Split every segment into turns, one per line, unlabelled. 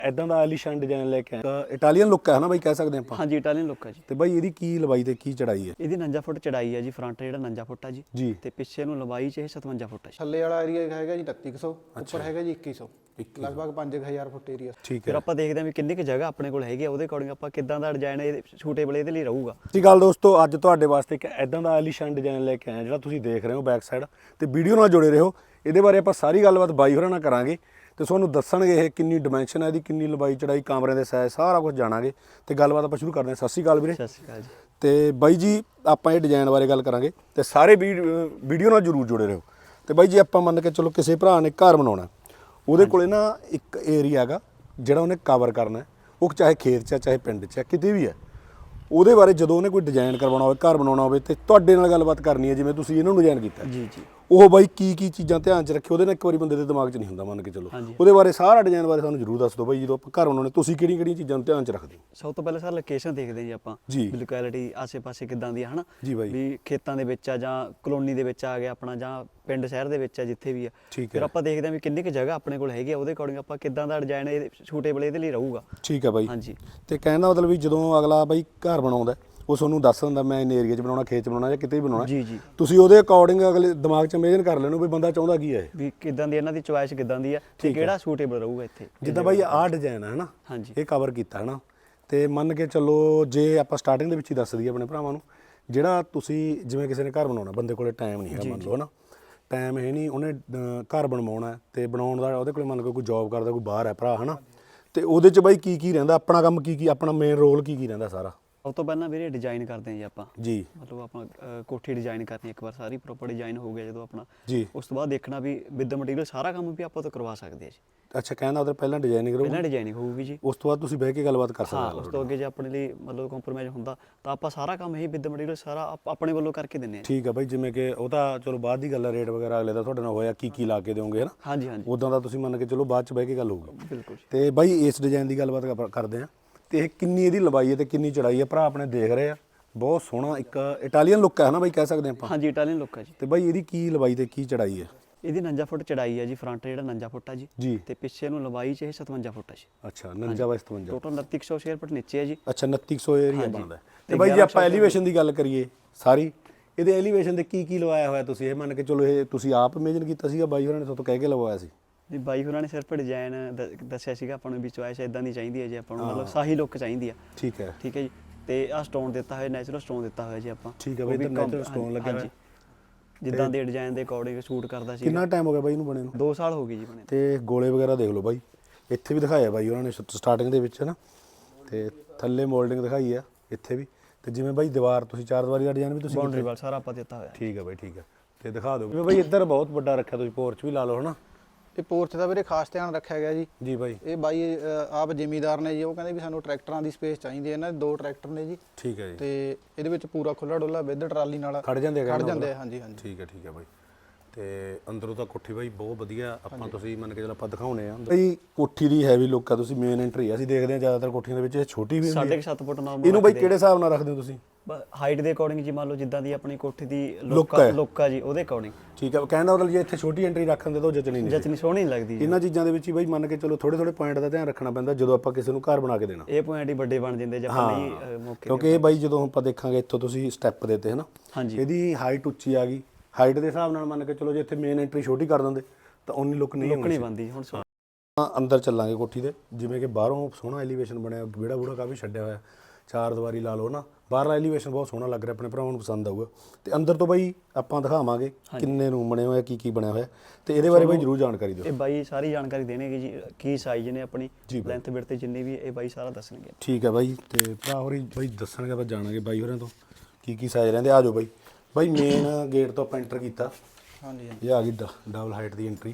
ਇਦਾਂ ਦਾ ਆਲੀਸ਼ਾਨ ਡਿਜ਼ਾਈਨ ਲੈ ਕੇ ਆਇਆ। ਇਟਾਲੀਅਨ ਲੁੱਕ ਹੈ ਨਾ ਬਾਈ, ਕਹਿ ਸਕਦੇ ਆਪਾਂ।
ਹਾਂਜੀ ਇਟਾਲੀਅਨ ਲੁੱਕ ਹੈ ਜੀ।
ਤੇ ਬਾਈ ਇਹਦੀ ਕੀ ਲੰਬਾਈ ਤੇ ਕੀ ਚੜਾਈ ਹੈ?
ਇਹਦੀ 49 ਫੁੱਟ ਚੜਾਈ ਹੈ ਜੀ। ਫਰੰਟ ਜਿਹੜਾ 49 ਫੁੱਟ ਆ ਜੀ ਤੇ ਪਿੱਛੇ ਨੂੰ ਲੰਬਾਈ ਚ ਇਹ 57 ਫੁੱਟ ਹੈ।
ਥੱਲੇ ਵਾਲਾ ਏਰੀਆ ਹੈਗਾ ਜੀ 3300, ਉੱਪਰ ਹੈਗਾ ਜੀ 2100, ਲਗਭਗ 5000 ਫੁੱਟ ਏਰੀਆ।
ਠੀਕ
ਫਿਰ
ਹੈ।
ਆਪਾਂ ਦੇਖਦੇ ਹਾਂ ਵੀ ਕਿੰਨੀ ਕੁ ਜਗ੍ਹਾ ਆਪਣੇ ਕੋਲ ਹੈਗੀ ਆ, ਉਹਦੇ ਅਕੋਰਡਿੰਗ ਆਪਾਂ ਕਿੱਦਾਂ ਦਾ ਡਿਜ਼ਾਈਨ ਇਹ ਸੂਟੇਬਲ ਇਹਦੇ ਲਈ ਰਹੂਗਾ।
ਜੀ ਗੱਲ ਦੋਸਤੋ, ਅੱਜ ਤੁਹਾਡੇ ਵਾਸਤੇ ਇੱਕ ਇਦਾਂ ਦਾ ਆਲੀਸ਼ਾਨ ਡਿਜ਼ਾਈਨ ਲੈ ਕੇ ਆਇਆ ਜਿਹੜਾ ਤੁਸੀਂ ਦੇਖ ਰਹੇ ਹੋ ਬੈਕ ਸਾਈਡ ਤੇ। ਵੀਡੀਓ ਨਾਲ ਜੁੜੇ ਰਹੋ, ਇਹਦੇ ਬਾਰੇ ਆਪਾਂ ਸਾਰੀ ਗੱਲਬਾਤ ਬਾਈ ਹੋਰਾਂ ਨਾਲ ਕਰਾਂਗੇ ਤੇ ਤੁਹਾਨੂੰ ਦੱਸਣਗੇ ਇਹ ਕਿੰਨੀ ਡਿਮੈਂਸ਼ਨ ਹੈ ਇਹਦੀ, ਕਿੰਨੀ ਲੰਬਾਈ ਚੜਾਈ, ਕਮਰੇ ਦੇ ਸਾਈਜ਼, ਸਾਰਾ ਕੁਝ ਜਾਣਾਂਗੇ ਤੇ ਗੱਲਬਾਤ ਆਪਾਂ ਸ਼ੁਰੂ ਕਰਦੇ ਹਾਂ। ਸਤਿ ਸ਼੍ਰੀ ਅਕਾਲ ਵੀਰੇ।
ਸਤਿ ਸ਼੍ਰੀ ਅਕਾਲ ਜੀ।
ਤੇ ਬਾਈ ਜੀ ਆਪਾਂ ਇਹ ਡਿਜ਼ਾਈਨ ਬਾਰੇ ਗੱਲ ਕਰਾਂਗੇ ਤੇ ਸਾਰੇ ਵੀਡੀਓ ਨਾਲ ਜਰੂਰ ਜੁੜੇ ਰਹੋ। ਤੇ ਬਾਈ ਜੀ ਆਪਾਂ ਮੰਨ ਕੇ ਚਲੋ ਕਿਸੇ ਭਰਾ ਨੇ ਘਰ ਬਣਾਉਣਾ, ਉਹਦੇ ਕੋਲੇ ਨਾ ਇੱਕ ਏਰੀਆ ਹੈਗਾ ਜਿਹੜਾ ਉਹਨੇ ਕਵਰ ਕਰਨਾ, ਉਹ ਚਾਹੇ ਖੇਤ 'ਚ ਚਾਹੇ ਪਿੰਡ 'ਚ ਕਿਤੇ ਵੀ ਹੈ। ਉਹਦੇ ਬਾਰੇ ਜਦੋਂ ਉਹਨੇ ਕੋਈ ਡਿਜ਼ਾਈਨ ਕਰਵਾਉਣਾ ਹੋਵੇ, ਘਰ ਬਣਾਉਣਾ ਹੋਵੇ ਤੇ ਤੁਹਾਡੇ ਨਾਲ ਗੱਲਬਾਤ ਕਰਨੀ ਹੈ, ਜਿਵੇਂ ਤੁਸੀਂ ਇਹਨਾਂ ਨੂੰ ਡਿਜ਼ਾਈਨ ਕੀਤਾ
ਜੀ ਜੀ,
ਉਹ ਬਾਈ ਕੀ ਚੀਜ਼ਾਂ ਧਿਆਨ 'ਚ ਰੱਖੇ, ਉਹਦੇ ਨਾਲ ਇੱਕ ਵਾਰੀ ਬੰਦੇ ਦੇ ਦਿਮਾਗ 'ਚ ਨਹੀਂ ਹੁੰਦਾ ਮੰਨ ਕੇ ਚਲੋ। ਉਹਦੇ ਬਾਰੇ ਸਾਰਾ ਡਿਜ਼ਾਈਨ ਬਾਰੇ ਸਾਨੂੰ ਜ਼ਰੂਰ ਦੱਸ ਦਿਓ ਬਾਈ। ਜਦੋਂ ਆਪਾਂ ਘਰ ਬਣਾਉਣੇ ਤੁਸੀਂ ਕਿਹੜੀਆਂ ਚੀਜ਼ਾਂ ਨੂੰ ਧਿਆਨ 'ਚ ਰੱਖਦੇ ਹੋ?
ਸਭ ਤੋਂ ਪਹਿਲਾਂ ਸਰ ਲੋਕੇਸ਼ਨ ਦੇਖਦੇ ਜੀ ਆਪਾਂ, ਵੀ ਲੋਕੈਲਿਟੀ ਆਸੇ-ਪਾਸੇ ਕਿੱਦਾਂ ਦੀ ਹੈ ਹਨਾ
ਜੀ ਬਾਈ।
ਵੀ ਖੇਤਾਂ ਦੇ ਵਿੱਚ ਆ ਜਾਂ ਕਲੋਨੀ ਦੇ ਵਿੱਚ ਆ ਗਿਆ ਆਪਣਾ, ਜਾਂ ਪਿੰਡ ਸ਼ਹਿਰ ਦੇ ਵਿੱਚ ਆ, ਜਿੱਥੇ ਵੀ ਆ।
ਠੀਕ
ਫਿਰ
ਹੈ।
ਆਪਾਂ ਦੇਖਦੇ ਹਾਂ ਵੀ ਕਿੰਨੀ ਕੁ ਜਗ੍ਹਾ ਆਪਣੇ ਕੋਲ ਹੈਗੀ ਆ, ਉਹਦੇ ਅਕੋਰਡਿੰਗ ਆਪਾਂ ਕਿੱਦਾਂ ਦਾ ਡਿਜ਼ਾਈਨ ਇਹ ਸੂਟੇਬਲ ਇਹਦੇ ਲਈ ਰਹੂਗਾ।
ਠੀਕ ਹੈ ਬਾਈ।
ਹਾਂਜੀ।
ਤੇ ਕਹਿਣ ਦਾ ਮਤਲਬ ਵੀ ਜਦੋਂ ਅਗਲਾ ਬਾਈ ਘਰ ਬਣਾਉਂਦਾ ਉਹ ਤੁਹਾਨੂੰ ਦੱਸ ਦਿੰਦਾ ਮੈਂ ਇਨ ਏਰੀਆ 'ਚ ਬਣਾਉਣਾ, ਖੇਤ 'ਚ ਬਣਾਉਣਾ ਜਾਂ ਕਿਤੇ ਵੀ ਬਣਾਉਣਾ।
ਜੀ ਜੀ,
ਤੁਸੀਂ ਉਹਦੇ ਅਕੋਰਡਿੰਗ ਅਗਲੇ ਦਿਮਾਗ 'ਚ ਇਮੇਜਿਨ ਕਰ ਲੈਣੋ ਵੀ ਬੰਦਾ ਚਾਹੁੰਦਾ ਕੀ ਹੈ,
ਵੀ ਕਿੱਦਾਂ ਦੀ ਇਹਨਾਂ ਦੀ ਚੁਆਇਸ ਕਿੱਦਾਂ ਦੀ ਆ ਤੇ ਕਿਹੜਾ ਸੂਟੇਬਲ ਰਹੂਗਾ ਇੱਥੇ।
ਜਿੱਦਾਂ ਬਾਈ ਆਹ ਡਿਜ਼ਾਈਨ ਹੈ ਹਨਾ,
ਹਾਂਜੀ,
ਇਹ ਕਵਰ ਕੀਤਾ ਹਨਾ। ਤੇ ਮੰਨ ਕੇ ਚੱਲੋ ਜੇ ਆਪਾਂ ਸਟਾਰਟਿੰਗ ਦੇ ਵਿੱਚ ਹੀ ਦੱਸ ਦਈਏ ਆਪਣੇ ਭਰਾਵਾਂ ਨੂੰ, ਜਿਹੜਾ ਤੁਸੀਂ ਜਿਵੇਂ ਕਿਸੇ ਨੇ ਘਰ ਬਣਾਉਣਾ, ਬੰਦੇ ਕੋਲੇ ਟਾਈਮ ਨਹੀਂ ਹੈਗਾ ਮੰਨ ਲਓ ਹਨਾ, ਟਾਈਮ ਹੈ ਨਹੀਂ, ਉਹਨੇ ਘਰ ਬਣਵਾਉਣਾ ਤੇ ਬਣਾਉਣ ਦਾ ਉਹਦੇ ਕੋਲੇ ਮੰਨ ਲਓ ਕੋਈ ਜੌਬ ਕਰਦਾ, ਕੋਈ ਬਾਹਰ ਹੈ ਭਰਾ ਹਨਾ, ਤੇ ਉਹਦੇ 'ਚ ਬਾਈ ਕੀ ਰਹਿੰਦਾ ਆਪਣਾ ਕੰਮ, ਕੀ ਆਪਣਾ ਮੇਨ ਰੋਲ ਕੀ ਰਹਿੰਦਾ ਸਾਰਾ?
ਸਭ ਤੋਂ ਪਹਿਲਾਂ ਵੀਰੇ ਡਿਜ਼ਾਈਨ ਕਰਦੇ ਹਾਂ ਜੀ ਆਪਾਂ।
ਜੀ।
ਮਤਲਬ ਆਪਣਾ ਕੋਠੀ ਡਿਜ਼ਾਈਨ ਕਰਨੀ ਇੱਕ ਵਾਰ, ਸਾਰੀ ਪ੍ਰੋਪਰ ਡਿਜ਼ਾਈਨ ਹੋ ਗਿਆ ਜਦੋਂ ਆਪਣਾ,
ਜੀ।
ਉਸ ਤੋਂ ਬਾਅਦ ਦੇਖਣਾ ਵੀ ਵਿਦ ਮਟੀਰੀਅਲ ਸਾਰਾ ਕੰਮ ਵੀ ਆਪਾਂ ਤੋਂ ਕਰਵਾ ਸਕਦੇ ਆ ਜੀ।
ਅੱਛਾ, ਕਹਿੰਦਾ ਉਹਦੇ ਪਹਿਲਾਂ ਡਿਜ਼ਾਈਨਿੰਗ ਕਰੋ,
ਪਹਿਲਾਂ ਡਿਜ਼ਾਈਨਿੰਗ ਹੋਊਗੀ ਜੀ,
ਉਸ ਤੋਂ ਬਾਅਦ ਤੁਸੀਂ ਬਹਿ ਕੇ ਗੱਲਬਾਤ ਕਰ ਸਕਦੇ
ਹਾਂ। ਉਸ ਤੋਂ ਅੱਗੇ ਜੇ ਆਪਣੇ ਲਈ ਮਤਲਬ ਕੰਪਰੋਮਾਈਜ਼ ਹੁੰਦਾ ਤਾਂ ਆਪਾਂ ਸਾਰਾ ਕੰਮ ਹੀ ਵਿਦ ਮਟੀਰੀਅਲ ਸਾਰਾ ਆਪਣੇ ਵੱਲੋਂ ਕਰਕੇ ਦਿੰਦੇ ਆ।
ਠੀਕ ਆ ਬਾਈ, ਜਿਵੇਂ ਕਿ ਉਹ ਤਾਂ ਚਲੋ ਬਾਅਦ ਦੀ ਗੱਲ ਹੈ, ਰੇਟ ਵਗੈਰਾ ਅਗਲੇ ਦਾ ਤੁਹਾਡੇ ਨਾਲ ਹੋਇਆ ਕੀ ਲਾ ਕੇ ਦਿਓਗੇ ਹਨਾ।
ਹਾਂਜੀ ਹਾਂਜੀ,
ਉਦਾਂ ਦਾ ਤੁਸੀਂ ਮੰਨ ਕੇ ਚਲੋ ਬਾਅਦ 'ਚ ਬਹਿ ਕੇ ਗੱਲ ਹੋਊਗੀ।
ਬਿਲਕੁਲ।
ਤੇ ਬਾਈ ਇਸ ਡਿਜ਼ਾਈਨ ਦੀ ਗੱਲਬਾਤ ਕਰਦੇ ਆ ਤੇ ਇਹ ਕਿੰਨੀ ਇਹਦੀ ਲੰਬਾਈ ਹੈ ਤੇ ਕਿੰਨੀ ਚੜਾਈ ਹੈ? ਭਰਾ ਆਪਣੇ ਦੇਖ ਰਹੇ ਆ, ਬਹੁਤ ਸੋਹਣਾ ਇੱਕ ਇਟਾਲੀਅਨ ਲੁੱਕ ਹੈ ਨਾ ਬਾਈ, ਕਹਿ ਸਕਦੇ ਆਪਾਂ।
ਹਾਂਜੀ ਇਟਾਲੀਅਨ ਲੁੱਕ ਹੈ ਜੀ।
ਤੇ ਬਾਈ ਇਹਦੀ ਕੀ ਲੰਬਾਈ ਤੇ ਕੀ ਚੜਾਈ ਹੈ?
ਇਹਦੀ 49 ਫੁੱਟ ਚੜਾਈ ਹੈ ਜੀ। ਫਰੰਟ ਜਿਹੜਾ 49 ਫੁੱਟ ਆ
ਜੀ
ਤੇ ਪਿੱਛੇ ਨੂੰ ਲੰਬਾਈ ਚ ਇਹ 57 ਫੁੱਟ ਹੈ ਜੀ।
ਅੱਛਾ, 49 ਬਾਈ 57।
ਟੋਟਲ 2900 ਸਕੁਅਰ ਫੁੱਟ ਨੀਚੇ ਹੈ ਜੀ।
ਅੱਛਾ, 2900 ਏਰੀਆ ਬਣਦਾ। ਤੇ ਬਾਈ ਜੇ ਆਪਾਂ ਐਲੀਵੇਸ਼ਨ ਦੀ ਗੱਲ ਕਰੀਏ ਸਾਰੀ, ਇਹਦੇ ਐਲੀਵੇਸ਼ਨ ਤੇ ਕੀ ਲਵਾਇਆ ਹੋਇਆ ਤੁਸੀਂ? ਇਹ ਮੰਨ ਕੇ ਚਲੋ ਇਹ ਤੁਸੀਂ ਆਪ ਇਮੇਜਿਨ ਕੀਤਾ ਸੀਗਾ, ਬਾਈ ਹੋਰਾਂ ਨੇ ਤੁਹਾਨੂੰ ਕਹਿ ਕੇ ਲਵਾਇਆ ਸੀ?
ਜੀ ਬਾਈ ਹੋਰਾਂ ਨੇ ਸਿਰਫ ਡਿਜ਼ਾਈਨ ਦੱਸਿਆ ਸੀਗਾ ਆਪਾਂ ਨੂੰ ਵੀ ਚੁਆਇਸ ਇਦਾਂ ਦੀ ਚਾਹੀਦੀ ਹੈ ਜੀ ਆਪਾਂ ਨੂੰ, ਮਤਲਬ ਸਾਹੀ ਲੁੱਕ ਚਾਹੀਦੀ ਆ।
ਠੀਕ ਹੈ।
ਠੀਕ ਹੈ ਜੀ। ਤੇ ਆਹ ਸਟੋਨ ਦਿੱਤਾ ਹੋਇਆ, ਨੈਚੁਰਲ ਸਟੋਨ ਦਿੱਤਾ ਹੋਇਆ ਜੀ ਆਪਾਂ।
ਠੀਕ ਹੈ ਬਾਈ, ਤੇ ਨੈਚੁਰਲ ਸਟੋਨ ਲੱਗਿਆ ਹੋਇਆ,
ਜਿੱਦਾਂ ਦੇ ਡਿਜ਼ਾਈਨ ਦੇ ਅਕੋਰਡਿੰਗ ਸ਼ੂਟ ਕਰਦਾ ਸੀ।
ਕਿੰਨਾ ਟਾਈਮ ਹੋ ਗਿਆ ਬਾਈ ਨੂੰ ਬਣੇ ਨੂੰ?
2 ਸਾਲ ਹੋ ਗਏ ਜੀ ਬਣੇ।
ਤੇ ਗੋਲੇ ਵਗੈਰਾ ਦੇਖ ਲਓ ਬਾਈ, ਇੱਥੇ ਵੀ ਦਿਖਾਇਆ ਬਾਈ ਉਹਨਾਂ ਨੇ ਸਟਾਰਟਿੰਗ ਦੇ ਵਿੱਚ ਨਾ, ਤੇ ਥੱਲੇ ਮੋਲਡਿੰਗ ਦਿਖਾਈ ਆ ਇੱਥੇ ਵੀ। ਤੇ ਜਿਵੇਂ ਬਾਈ ਦੀਵਾਰ ਤੁਸੀਂ 4 ਦੀਵਾਰੀ ਦਾ ਡਿਜ਼ਾਈਨ ਵੀ ਤੁਸੀਂ
ਬਾਉਂਡਰੀ ਵਾਲ ਸਾਰਾ ਆਪਾਂ ਦਿੱਤਾ ਹੋਇਆ।
ਠੀਕ ਹੈ ਬਾਈ, ਠੀਕ ਹੈ। ਤੇ ਦਿਖਾ ਦਿਓ ਜਿਵੇਂ ਬਾਈ ਇੱਧਰ ਬਹੁਤ ਵੱਡਾ ਰੱਖਿਆ ਤੁਸੀਂ, ਪੋਰਚ ਵੀ ਲਾ ਲਓ ਹਨਾ।
ਇਹ ਪੋਰਚ ਦਾ ਵੀਰੇ ਖਾਸ ਧਿਆਨ ਰੱਖਿਆ ਗਿਆ ਜੀ।
ਜੀ ਬਾਈ।
ਇਹ ਬਾਈ ਆਪ ਜ਼ਿਮੀਦਾਰ ਨੇ ਜੀ, ਉਹ ਕਹਿੰਦੇ ਵੀ ਸਾਨੂੰ ਟਰੈਕਟਰਾਂ ਦੀ ਸਪੇਸ ਚਾਹੀਦੀ ਹੈ। ਇਹਨਾਂ ਦੇ 2 ਟਰੈਕਟਰ ਨੇ ਜੀ।
ਠੀਕ ਹੈ ਜੀ।
ਤੇ ਇਹਦੇ ਵਿੱਚ ਪੂਰਾ ਖੁੱਲਾ ਡੁੱਲਾ ਵਿਦ ਟਰਾਲੀ ਨਾਲ
ਖੜ ਜਾਂਦੇ
ਆ। ਹਾਂਜੀ ਹਾਂਜੀ,
ਠੀਕ ਹੈ ਬਾਈ। ਤੇ ਅੰਦਰੋਂ ਤਾਂ ਕੋਠੀ ਬਾਈ ਬਹੁਤ ਵਧੀਆ, ਆਪਾਂ ਤੁਸੀਂ ਮੰਨ ਕੇ ਚਲੋ ਆਪਾਂ ਦਿਖਾਉਣੇ ਆ ਬਾਈ। ਕੋਠੀ ਦੀ ਹੈਵੀ ਲੁੱਕ ਆ, ਤੁਸੀਂ ਮੇਨ ਐਂਟਰੀ ਆ, ਅਸੀਂ ਦੇਖਦੇ ਆ ਜ਼ਿਆਦਾਤਰ ਕੋਠੀਆਂ ਦੇ ਵਿੱਚ ਇਹ ਛੋਟੀ ਵੀ ਹੁੰਦੀ ਹੈ।
7.5 ਫੁੱਟ ਨਾਰਮਲ।
ਇਹਨੂੰ ਬਾਈ ਕਿਹੜੇ ਹਿਸਾਬ ਨਾਲ ਰੱਖਦੇ ਹੋ ਤੁਸੀਂ?
ਹਾਈਟ ਦੇ ਅਕੋਰਡਿੰਗ ਜੀ, ਮੰਨ ਲਓ ਜਿੱਦਾਂ ਦੀ ਆਪਣੀ ਕੋਠੀ ਦੀ ਲੁੱਕ ਆ ਜੀ, ਉਹਦੇ ਅਕੋਰਡਿੰਗ।
ਠੀਕ ਹੈ। ਕਹਿਣ ਦਾ ਮਤਲਬ ਜੇ ਇੱਥੇ ਛੋਟੀ ਐਂਟਰੀ ਰੱਖਣ ਦੇ ਤਾਂ ਜਚਣੀ
ਸੋਹਣੀ ਲੱਗਦੀ ਜੀ।
ਇਹਨਾਂ ਚੀਜ਼ਾਂ ਦੇ ਵਿੱਚ ਹੀ ਬਾਈ ਮੰਨ ਕੇ ਚਲੋ ਥੋੜੇ ਪੁਆਇੰਟ ਦਾ ਧਿਆਨ ਰੱਖਣਾ ਪੈਂਦਾ ਜਦੋਂ ਆਪਾਂ ਕਿਸੇ ਨੂੰ ਘਰ ਬਣਾ ਕੇ ਦੇਣਾ।
ਇਹ ਪੁਆਇੰਟ ਹੀ ਵੱਡੇ ਬਣ ਜਾਂਦੇ ਜੇ ਆਪਾਂ ਨਹੀਂ ਮੌਕੇ।
ਕਿਉਂਕਿ ਇਹ ਬਾਈ ਜਦੋਂ ਆਪਾਂ ਦੇਖਾਂਗੇ ਇੱਥੋਂ ਤੁਸੀਂ ਸਟੈਪ ਦੇਤੇ ਹਨਾ, ਇਹਦੀ ਹਾਈਟ ਉੱਚੀ ਆ ਗਈ, ਹਾਈਟ ਦੇ ਹਿਸਾਬ ਨਾਲ ਮੰਨ ਕੇ ਚਲੋ ਜੇ ਇੱਥੇ ਮੇਨ ਐਂਟਰੀ ਛੋਟੀ ਕਰ ਦਿੰਦੇ ਤਾਂ ਉਨੀ ਲੁੱਕ ਨਹੀਂ
ਬਣਦੀ। ਹੁਣ
ਅੰਦਰ ਚੱਲਾਂਗੇ ਕੋਠੀ ਦੇ, ਜਿਵੇਂ ਕਿ ਬਾਹਰੋਂ ਸੋਹਣਾ ਐਲੀਵੇਸ਼ਨ ਬਣਿਆ, ਵਿਹੜਾ ਬੂੜਾ ਕਾਫੀ ਛੱਡਿਆ ਹੋਇਆ, 4 ਦੀਵਾਰੀ ਲਾ ਲਓ ਨਾ, ਬਾਹਰਲਾ ਐਲੀਵੇਸ਼ਨ ਬਹੁਤ ਸੋਹਣਾ ਲੱਗ ਰਿਹਾ, ਆਪਣੇ ਭਰਾਵਾਂ ਨੂੰ ਪਸੰਦ ਆਊਗਾ। ਤੇ ਅੰਦਰ ਤੋਂ ਬਾਈ ਆਪਾਂ ਦਿਖਾਵਾਂਗੇ ਕਿੰਨੇ ਰੂਮ ਬਣੇ ਹੋਏ, ਕੀ ਬਣਿਆ ਹੋਇਆ, ਤੇ ਇਹਦੇ ਬਾਰੇ ਬਾਈ ਜ਼ਰੂਰ ਜਾਣਕਾਰੀ ਦਿਓ।
ਇਹ ਬਾਈ ਸਾਰੀ ਜਾਣਕਾਰੀ ਦੇਣਗੇ ਜੀ, ਕੀ ਸਾਈਜ਼ ਨੇ ਆਪਣੀ, ਲੈਂਥ ਵਿਡਥ ਜਿੰਨੀ ਵੀ ਇਹ ਬਾਈ ਸਾਰਾ ਦੱਸਣਗੇ।
ਠੀਕ ਹੈ ਬਾਈ। ਤੇ ਭਰਾ ਹੋਰੀ ਬਾਈ ਦੱਸਣਗੇ, ਆਪਾਂ ਜਾਣਾਂਗੇ ਬਾਈ ਹੋਰਾਂ ਤੋਂ ਕੀ ਸਾਈਜ਼ ਰਹਿੰਦੇ। ਆ ਜਾਓ ਬਾਈ। ਬਾਈ ਮੇਨ ਗੇਟ ਤੋਂ ਆਪਾਂ ਐਂਟਰ ਕੀਤਾ।
ਹਾਂਜੀ
ਇਹ ਆ ਗਈ ਡਬਲ ਹਾਈਟ ਦੀ ਐਂਟਰੀ।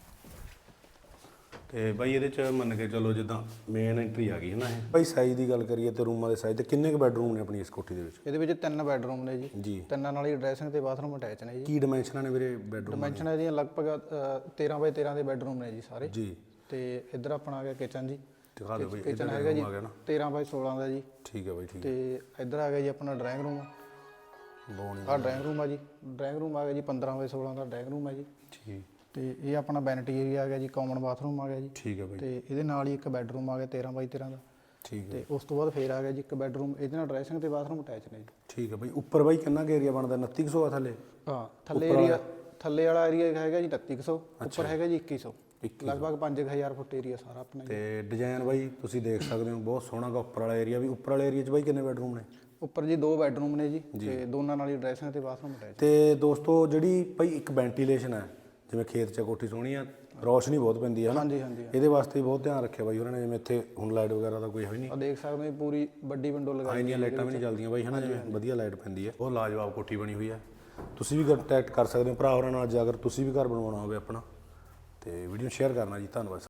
ਤੇ ਬਾਈ ਇਹਦੇ ਚ ਮੰਨ ਕੇ ਚਲੋ ਜਿੱਦਾਂ ਮੇਨ ਐਂਟਰੀ ਆ ਗਈ ਹੈ ਨਾ ਇਹ। ਬਾਈ ਸਾਈਜ਼ ਦੀ ਗੱਲ ਕਰੀਏ ਤੇ ਰੂਮਾਂ ਦੇ ਸਾਈਜ਼ ਤੇ ਕਿੰਨੇ ਕੁ ਬੈਡਰੂਮ ਨੇ ਆਪਣੀ ਇਸ ਕੋਠੀ ਦੇ ਵਿੱਚ?
ਇਹਦੇ ਵਿੱਚ 3 ਬੈਡਰੂਮ ਨੇ ਜੀ।
ਜੀ।
3 ਨਾਲ ਹੀ ਡਰੈਸਿੰਗ ਤੇ ਬਾਥਰੂਮ ਅਟੈਚ ਨੇ ਜੀ।
ਕੀ ਡਾਈਮੈਂਸ਼ਨਾਂ ਨੇ ਵੀਰੇ ਬੈਡਰੂਮ?
ਡਾਈਮੈਂਸ਼ਨ ਹੈ ਜੀ ਲਗਭਗ 13 ਬਾਈ 13 ਦੇ ਬੈਡਰੂਮ ਨੇ ਜੀ ਸਾਰੇ।
ਜੀ।
ਤੇ ਇੱਧਰ ਆਪਣਾ ਆ ਗਿਆ ਕਿਚਨ ਜੀ।
ਦਿਖਾ ਦਿਓ ਬਾਈ।
ਕਿਚਨ ਹੈਗਾ ਜੀ 13 ਬਾਈ 16 ਦਾ ਜੀ।
ਠੀਕ ਹੈ ਬਾਈ, ਠੀਕ ਹੈ।
ਤੇ ਇੱਧਰ ਆ ਗਿਆ ਜੀ ਆਪਣਾ ਡਰਾਇੰਗ ਰੂਮ। ਆਹ ਡਰਾਇੰਗ ਰੂਮ ਆ ਜੀ। ਡਰਾਇੰਗ ਰੂਮ ਆ ਗਿਆ ਜੀ 15 ਬਾਈ 16 ਦਾ ਡਰਾਇੰਗ ਰੂਮ ਹੈ ਜੀ।
ਠੀਕ।
ਤੇ ਇਹ ਆਪਣਾ ਵੈਨਿਟੀ ਏਰੀਆ ਆ ਗਿਆ ਜੀ, ਕਾਮਨ ਬਾਥਰੂਮ ਆ ਗਿਆ ਜੀ,
ਠੀਕ ਹੈ ਬਾਈ,
ਤੇ ਇਹਦੇ ਨਾਲ ਹੀ ਇੱਕ ਬੈੱਡਰੂਮ ਆ ਗਿਆ 13 ਬਾਈ 13 ਦਾ,
ਠੀਕ ਹੈ
ਤੇ ਉਸ ਤੋਂ ਬਾਅਦ ਫੇਰ ਆ ਗਿਆ ਜੀ ਇੱਕ ਬੈੱਡਰੂਮ, ਇਹਦੇ ਨਾਲ ਡਰੈਸਿੰਗ ਤੇ ਬਾਥਰੂਮ ਅਟੈਚ ਨੇ ਜੀ।
ਠੀਕ ਹੈ ਬਾਈ। ਉੱਪਰ ਬਾਈ ਕਿੰਨਾ ਕੁ ਏਰੀਆ ਬਣਦਾ? 2900 ਆ ਥੱਲੇ?
ਹਾਂ ਥੱਲੇ ਏਰੀਆ, ਥੱਲੇ ਵਾਲਾ ਏਰੀਆ ਹੈਗਾ ਜੀ 3900, ਉੱਪਰ ਹੈਗਾ ਜੀ 2100, ਲਗਭਗ 5000 ਫੁੱਟ ਏਰੀਆ ਸਾਰਾ ਆਪਣਾ ਜੀ।
ਤੇ ਡਿਜ਼ਾਈਨ ਬਾਈ ਤੁਸੀਂ ਦੇਖ ਸਕਦੇ ਹੋ ਬਹੁਤ ਸੋਹਣਾ ਗਾ ਉੱਪਰ ਵਾਲਾ ਏਰੀਆ ਵੀ। ਉੱਪਰ ਵਾਲੇ ਏਰੀਆ 'ਚ ਬਾਈ ਕਿੰਨੇ ਬੈਡਰੂਮ ਨੇ?
ਉੱਪਰ ਜੀ 2 ਬੈੱਡਰੂਮ ਨੇ ਜੀ, ਤੇ ਦੋਨਾਂ ਨਾਲ ਹੀ ਡਰੈਸਿੰਗ ਤੇ ਬਾਥਰੂਮ ਅਟੈਚ।
ਤੇ ਦੋਸਤੋ ਜਿਹੜੀ ਭਾਈ ਇੱਕ ਵੈਂਟੀਲੇਸ਼ਨ ਹੈ, ਜਿਵੇਂ ਖੇਤ 'ਚ ਕੋਠੀ ਸੋਹਣੀ ਆ, ਰੌਸ਼ਨੀ ਬਹੁਤ ਪੈਂਦੀ ਹੈ ਨਾ,
ਹਾਂਜੀ ਹਾਂਜੀ,
ਇਹਦੇ ਵਾਸਤੇ ਵੀ ਬਹੁਤ ਧਿਆਨ ਰੱਖਿਆ ਬਾਈ ਉਹਨਾਂ ਨੇ। ਜਿਵੇਂ ਇੱਥੇ ਹੁਣ ਲਾਈਟ ਵਗੈਰਾ ਦਾ ਕੋਈ ਹੈ ਨਹੀਂ,
ਆ ਦੇਖ ਸਕਦੇ ਹੋ ਪੂਰੀ ਵੱਡੀ ਵਿੰਡੋ ਲਗਾਈ
ਇੰਨੀਆਂ ਲਾਈਟਾਂ ਵੀ ਨਹੀਂ ਚੱਲਦੀਆਂ ਬਾਈ, ਹੈ ਨਾ, ਜਿਵੇਂ ਵਧੀਆ ਲਾਈਟ ਪੈਂਦੀ ਹੈ। ਬਹੁਤ ਲਾਜਵਾਬ ਕੋਠੀ ਬਣੀ ਹੋਈ ਹੈ। ਤੁਸੀਂ ਵੀ ਕੰਟੈਕਟ ਕਰ ਸਕਦੇ ਹੋ ਭਰਾ ਹੋਰਾਂ ਨਾਲ, ਜੇ ਅਗਰ ਤੁਸੀਂ ਵੀ ਘਰ ਬਣਵਾਉਣਾ ਹੋਵੇ ਆਪਣਾ। ਤੇ ਵੀਡੀਓ ਸ਼ੇਅਰ ਕਰਨਾ ਜੀ, ਧੰਨਵਾਦ।